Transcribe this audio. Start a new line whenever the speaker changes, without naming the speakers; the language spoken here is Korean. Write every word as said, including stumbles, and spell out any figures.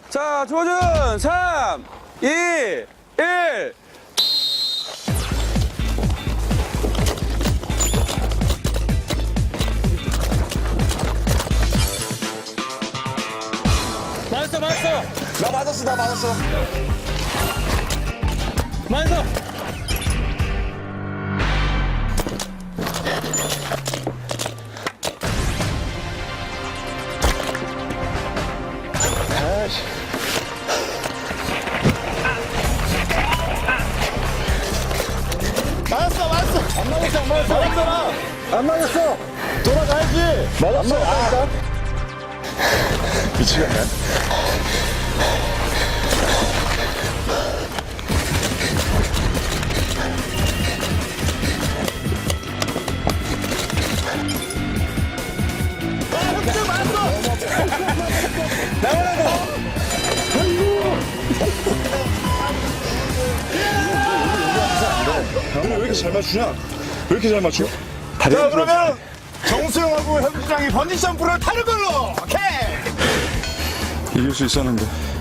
자, 조준 삼, 이, 일. 맞았어, 맞았어.
나 맞았어, 나 맞았어.
맞았어.
아이씨. 맞았어, 맞았어. 안 맞았어, 안 맞았어. 맞았잖아. 안 맞았어. 돌아가야지. 맞았어. 안 맞았어. 미치겠네. 왜 이렇게 잘 맞추냐? 왜 이렇게 잘 맞춰? 자, 그러면 정수영하고 현수장이 번지 점프를 타는 걸로! 오케이!
이길 수 있었는데.